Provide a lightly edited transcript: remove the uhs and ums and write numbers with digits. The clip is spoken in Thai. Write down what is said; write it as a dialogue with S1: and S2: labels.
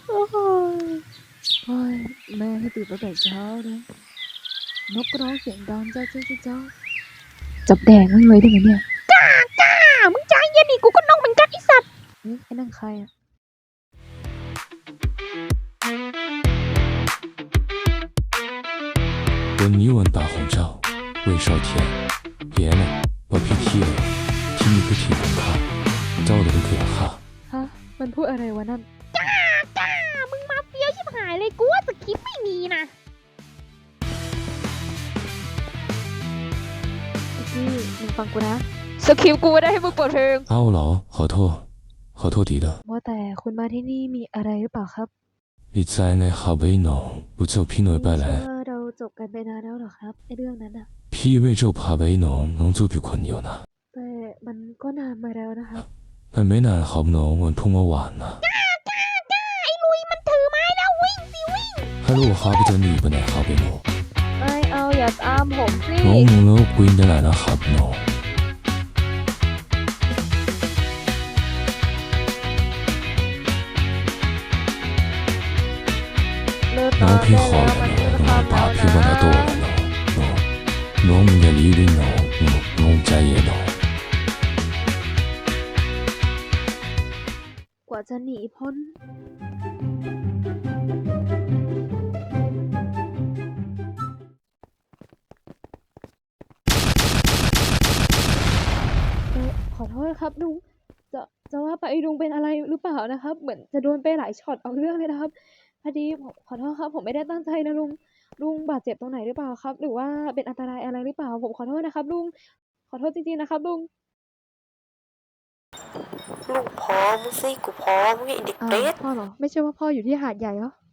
S1: โอ้ยโอ้ยแม่ให้ตื่นตั้งแต่เช้านะนกร้องเสียงดังเจ้าเจ้าเจ้าเจ้าจับแดงมึงเลยได้ไหมเนี่ยมึงใจเย็นดิกูก็น้องเหมือนกันไอสัตว์ไอ้นั่นใครอะ
S2: 闻你吻大红罩，魏少田，爷呢？我 PT เลยที่นี่คือที่ผมฆ่าเจ้าเลยคือฆ่า
S1: ฮะมันพูดอะไรวะนั่น
S3: มึงมาเฟี้ยวชิบหายเลยกูว่าสคริปต์ไม่มีนะ
S1: พี่มึงฟังกูนะสคริปต์กูไม่ได้ให้มึงเปิดเพลง
S2: 阿老ขอโทษดี的
S1: ว่าแต่คุณมาที่นี่มีอะไรหรือเปล่าครับ
S2: 你在ใน下位喏不就偏內拜來
S1: เราจบกันไปนานแล้วเหรอครับไอเรื่องนั้นอะ
S2: พี่為就爬位喏能做比困有呢
S1: แต่มันก็นานมาแล้วนะครับ
S2: มันไม่นานครับ喏我碰我晚นะ
S3: ไอ้ลุยมันถือไม้แล้ววิ่งสิวิ่ง
S2: ฮัลโหล哈不จะ你不ไหน哈ไป喏
S1: ไม่เอาอย่าตามผมสิ
S2: น้องมึงแล้วกูยังได้ไหนนะครับ喏น้องพี่ขอแล้วน้องป่าพี่วันละตัวแล้วน้องมึงอย่าลีวินน้องใจเย็นน้อง
S1: กว่าจะหนีพ้นขอโทษครับลุงจะว่าไปลุงเป็นอะไรหรือเปล่านะครับเหมือนจะโดนไปหลายช็อตเอาเรื่องเลยนะครับพอดีผมขอโทษครับผมไม่ได้ตั้งใจนะลุงบาดเจ็บตรงไหนหรือเปล่าครับหรือว่าเป็นอันตรายอะไรหรือเปล่าผมขอโทษนะครับลุงขอโทษจริงๆนะครับลุง
S4: ลูกพอมึงสิกูพอมึงไอ้เด็กเปรต
S1: พ่อเหรอไม่ใช่ว่าพ่ออยู่ที่หาดใหญ่เหรอ